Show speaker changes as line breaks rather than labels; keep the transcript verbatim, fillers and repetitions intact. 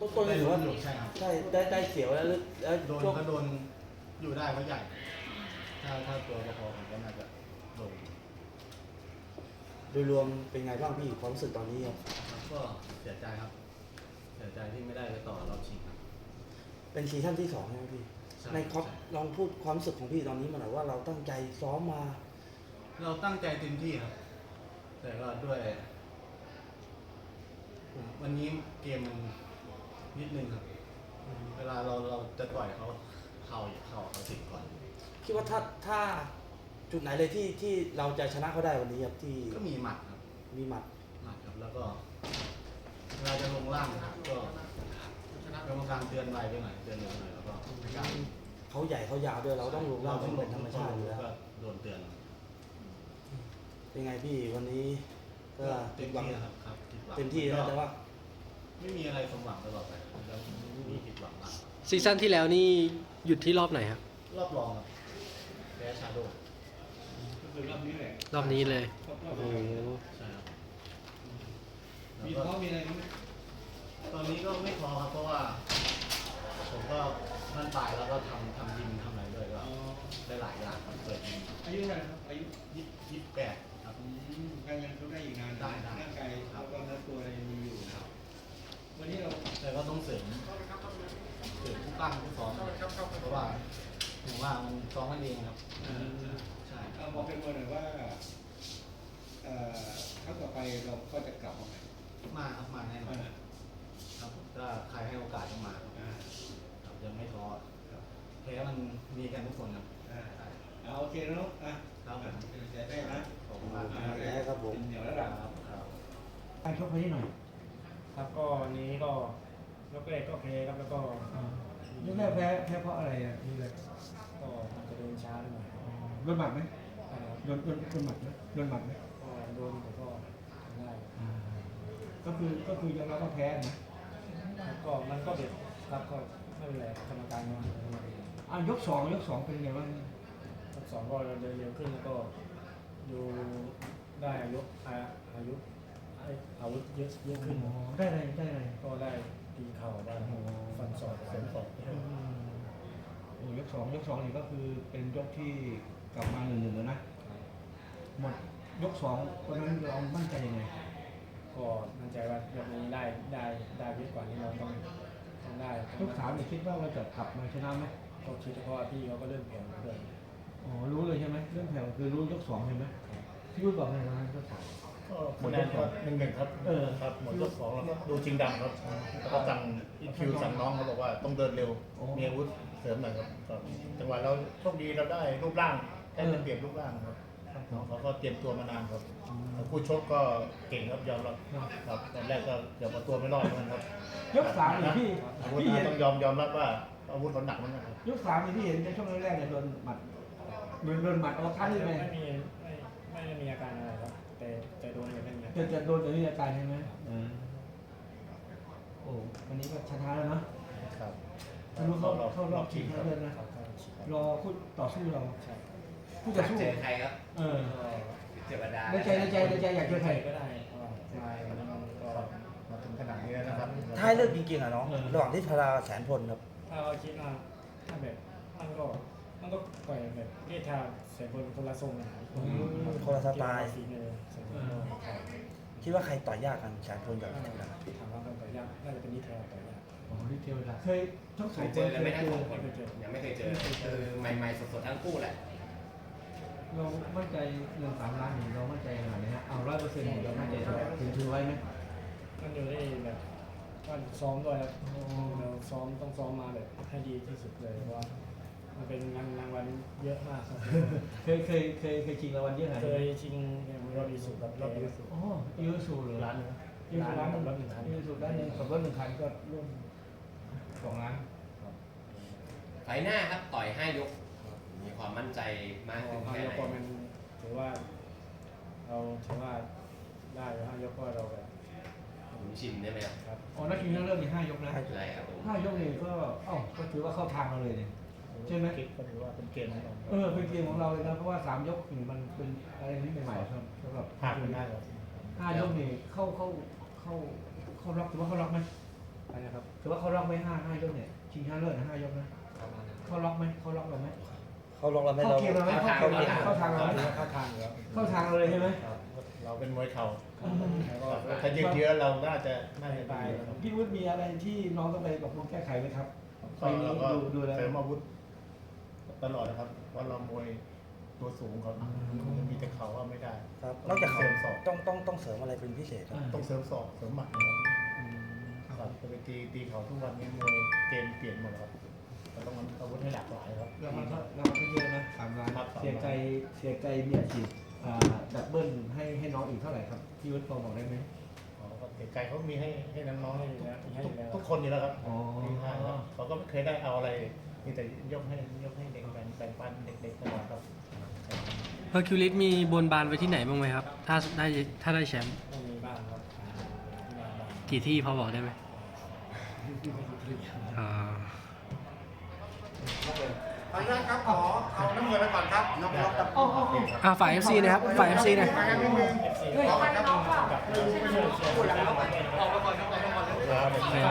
ต้นก็ถือว่า
ใช่ครับ
ใช่ได้ได้เสียวแล้วแล้ว
โดน
ช่วง
ก็โดนอยู่ได้เพราะใหญ่ ถ้าถ้าตัวพอๆผมก็น่าจะโดน
โดยรวมเป็นไงบ้างพี่ความรู้สึกตอนนี้ครับ
ครับก็เสียใจครับ เสียใจที่ไม่ได้ไปต่อรอบชิงครับ
เป็นซีซั่นที่สองใช่ไหมพี่
ใช่
ในครับ
ใช่
ลองพูดความรู้สึกของพี่ตอนนี้มาหน่อยว่าเราตั้งใจซ้อมมา
เราตั้งใจเต็มที่ครับ แต่ก็ด้วยผมวันนี้เกมมันนิดนึงครับ เวลาเราเราจะต่อยเขาเข่าเข่าเขาติดก่อน
คิดว่าถ้าถ้าจุดไหนเลยที่ที่เราจะชนะเขาได้วันนี้ครับที่
ก็มีหมัดครับ
มีหมัด
หมัดครับ แล้วก็เวลาจะลงล่างนะครับก็กรรมการเตือนไวไปหน่อยเตือนเร็วหน่อยแล้วก็ไม่กล้า
เขาใหญ่เขายาวด้วยเราต้องลงล่าง
ต้
ต้
อ
อง ง
ล
เป็
ง
นธรรมชาติอยู่แล้ว
ก็โดนเตือน
เป็นไงพี่วันนี้ก็
เต็ม
หวัง
ที่นะครับครับผิดหวัง
เต็มที่นะแต่ว่า
ไม่มีอะไรสมหวังตลอดไปแล้วมีผิดหวังบ้าง
ซีซั่นที่แล้วนี่หยุดที่รอบไหนครับ
รอบรองครับแพ้ชาโดว์
ก็คือรอบนี้แหละ
รอบนี้เลย
ครบรอบ
โอ้
เล
โห
ย
ใช่ครับ
มี
แล้ว
ท้อ
ก็
มีอะไรไหม
ตอนนี้ก็ไม่พอครับเพราะว่า ผมก็มั่นตายแล้วก็ทำทำยิมทำอะไรด้วยก็
อ๋อ
ได้หลายอย่างครับเปิดยิม
อายุเท่าไหร่ครับอายุ
ยี่ยี่สิบแปดครับ
อืมการยังต้องได้อีกนาน
ได้ได้
ร่างกายแล้วก็เนื้อตัวอะไรยังมีอยู่
ครับ
วันนี้เรา
แต่ก็ต้องเสริมเสริมผู้ปั้มผู้ซ้อมเพราะว่าถึงว่ามันซ้อมกันเองครับ
เอ่อ
ใช่
เอาบอกเป็นมวยหน่อยว่าเอ่อครั้งต่อไปเราก็จะกลับมาใหม่
มาครับมาแน่นอน
อ่า
ครับถ้าใครให้โอกาสก็มาครับ
อ่า
ครับยังไม่ท้อ
ครับ
แพ้มันมีกันทุกคนครับ
อ่าเอาโอเคนะลูกอ่ะ
ครับผม
เป็นกำลังใจให้นะ
ขอบคุณมาก
อ่า
ครับผม
เดี๋ยวแล้ว
ค
ล่ะ
รับครับ
การชกไปที่หน่อย
ครับก็วันนี้ก็ยกแรกก็แพ้ครับแล้วก็
ยกแรกแพ้แพ้เพราะอะไรอ่ะนี่เลย
ก็มันจะเดินช้าหน่อย
โดนหมัดไหม
อ่า
โดนโดนโดนหมัดไหมโดนหมัดไหม
ก็โดนแต่ก็ทำได้
ก็คือก็คือยอมรับว่าแพ้นะ
ครับก็มันก็เด็ดครับก็ไม่เป็นไรกรรมการมาให้มาดู
อ่ะยกสองยกสองเป็นไงบ้าง
ยกสองก็เดินเร็วขึ้นแล้วก็ดูได้อายุอาอายุให้อาวุธเยอะเยอะขึ้น
อ๋อได้อะไรได้อะไร
ก็ได้ตีเข่าได้ฟันศอกเสริมศอก
อืมโอ้ยกสองยกสองนี่ก็คือเป็นยกที่กลับมาหนึ่งหนึ่งแล้วนะหมดยกสองวันนั้นเรามั่นใจยังไง
ก็มั่นใจว่ายกนี้ได้ได้ได้เยอะกว่านี้เราต้องต้องได้ต้อง
ยกสามเนี่ยคิดว่าเราจะกลับมาชนะไหม
ก็คิดเพราะว่าพี่เขาก็เริ่มแข็งด้วย
อ๋อรู้เลยใช่ไหมเรื่องแผ่วคือรู้ยกสองใช่ไหมที่พูดบอกไงวันนั้นยกสอง
ก็คะแนนก็หนึ่งหนึ่งครับ
เออ
ครับหมดยกสองแล้วก็ดูจริงดังครับแล้วก็สั่งอินคิวสั่งน้องเขาบอกว่าต้องเดินเร็ว
โอ้
มีอาวุธเสริมหน่อยครับก็จังหวะเราโชคดีเราได้รูปร่างได้เปรียบรูปร่างครับน้องเขาก็เตรียมตัวมานานครับแล้วคู่ชกก็เก่งครับยอมรับครับตอนแรกก็เดี๋ยวเอาตัวไม่รอดเหมือนกันครับ
ยกสามเนี่ยพี่
อาวุธ
พี่เห็น
ต้องยอมยอมรับว่าอาวุธเขาหนักเหมือนกันครับ
ยกสามนี่พี่เห็นในช่วงแรกๆเนี่ยโดนหมัดโดนโดนหมัดเอาคันนี่ไป
ไม่มีไม่ไม่ได้มีอาการอะไรครับ แต่แต่โดนเนี่ยไม่มีอา
จะ
การ
จะโดนตัวนี้อาการใช่ไหมโอ้วันนี้ก็ชนะแล้วเนาะ
ครับ
ไม่รู้เข้าเข้ารอบชิงแล้วเลยนะ
เขาเข้าฉีด
รอคู่ต่อสู้เรา
ใช่
คู่ต่อสู้
เจอใครครับ
เออ
เทวดา
ในใจในใจในใจอยากเจอใคร
ก็ได้ก็มาวันนี้มันก็
มาถึงขนาดนี้แล้วนะครับ
ถ้าให้เลือกจริงๆอ่ะน้องระหว่างที่พาราแสนพลครับ
ถ้าเราคิดว่าถ้าแบบมันก็มันก็ต่อยแบบเรียกทางเสียบนคนละทรงนะครับ
คนละสไตล์
ฝีมือเสียบนก็
คิดว่าใครต่อยยากกันแสนพลกับ
ถามว่าการต่อยยากน่าจะเป็นนิทานต่อยยาก
อ๋อนี่เทวดาเคยทั้ง
เค
สอง
ย
ค
เจ
น
อกันไหม่
เค
ทั้
ย
ง
เจ
ส
อ
องคนยังไม่เคยเจอคือใหม่ๆสดๆทั้งคู่แหละ
เรามั่นใจเรื่องสามล้านนี่เรามั่นใจขนาดไหนฮะเอาร้อยเปอร์เซ็นต์เรามั่นใจเท่าไหร่ถึงถือไว้ไหม
มันอยู่ได้แบบว่าซ้อมด้วยแล้วเราซ้อมต้องซ้อมมาแบบให้ดีที่สุดเลยเพราะว่ามันเป็นงานรางวัลเยอะมากครับ
เคยเคยเคยเคยชิงรางวัลเยอะขนาด
เค
ไหน
ยชิงอย่างรอบอีสุกับรอบอีสุ
อ๋อยูสูหรือร้านนึงยูสูร้านหนึ่งรถหนึ่งคันยูสูร้านหนึ่งขับรถหนึ่งคันก็ร่วมสองล้าน
ไฟหน้าครับต่อยห้ายก มีความมั่นใจมากขึ้น
ห้า
แค่
ย
ไห
กก็
น
มันถือว่า เราถือว่าได้ห้ายกก็เราแบบ
ผมชินได้ไหมครับ
ครับ
อ๋อนักชิงทั้งเรื่องมีห้ายกนะ
ใช่ครับผม
ห้ายกนี่ก็เอ้าก็ถือว่าเข้าทางเราเลยเนี่ยใช่ไหม
คิดก็ถือว่าเป็นเกมของเรา
เออเป็นเกมของเราเลยนะเพราะว่าสามยกนี่มันเป็นอะไรที่ใหม่ๆครับสำหรับ
พลาดไม่ได้ครับ
ห้ายกนี่เข้าเข้าเข้าเข้าล็อกถือว่าเข้าล็อกไหม
ไปนะครับ
ถือว่าเขาล็อกไหมห้าห้ายกเนี่ยชิงชนะเลิศนะห้ายกนะเขาล็อกไหมเขาล็อกเราไหม
เขาลงเราไม่
เข้า
เรา
เกมเราไหมเข้าเกมเราไหมเข้าทางเราไหม
เข้าทางอยู่ครับ
เข้าทางเราเลยใช่ไหม
ครับเราเป็นมวยเข่า
แล้วก็
ถ้ายืดเยื้อเราน่าจะน่าจะได้ครับ
พี่วุฒิมีอะไรที่น้องต้องไปปรับปรุงแก้ไขไหมครับไฟ
ก็
นี้
เราก็
ดูดูแล้ว
เสริมอาวุธตลอดนะครับเพราะเรามวยตัวสูงครับมีแต่เข่าว่าไม่ได้
ครับนอกจากเขา
เสริมศอก
ต้องต้องต้องเสริมอะไรเป็นพิเศษครับ
ต้องเสริมศอกเสริมหมัดนะครับครับจะไปตีตีเขาทุกวันนี้มวยเกมเปลี่ยนหมดแล้วครับเราต้องอาวุธให้หลากหลายครับ
เรามันก็เราก็เยอะนะสามล้าน
ครับ
เสียใจเสียใจมีอาชีพอ่าดับเบิลให้ให้น้องอีกเท่าไหร่ครับพี่วุฒิพอบอกได้ไหม
อ๋อก็เสียใจเขามีให้ให้น้องๆให้อยู่แล้ว
ให้
ทุก
แล้ว
ทุกคนอยู่แล้วครับ
อ๋อ
ที่ให้ครับเขาก็ไม่เคยได้เอาอะไรมีแต่ยกให้ยกให้เด็กแบ่งแบ่งปันเด็กๆตลอดครับ
เฮอร์คิวลิสมีบนบานไว้ที่ไหนบ้างไหมครับ ถ้าได้ถ้าได้แชมป์
ต้องมีบ้างครับที่บ้านบ้าง
กี่ที่พอบอกได้ไหมอ่า
ขออนุญาตครับขอเอาน้ำเงินไปก่อนครับน้องรับ
อ่าฝ่าย เอฟ ซี นะครับ ฝ่าย เอฟ ซี นะ
มากันนิดนึงขอครับ
ไม่ใช่เชียร์
พูดแล้ว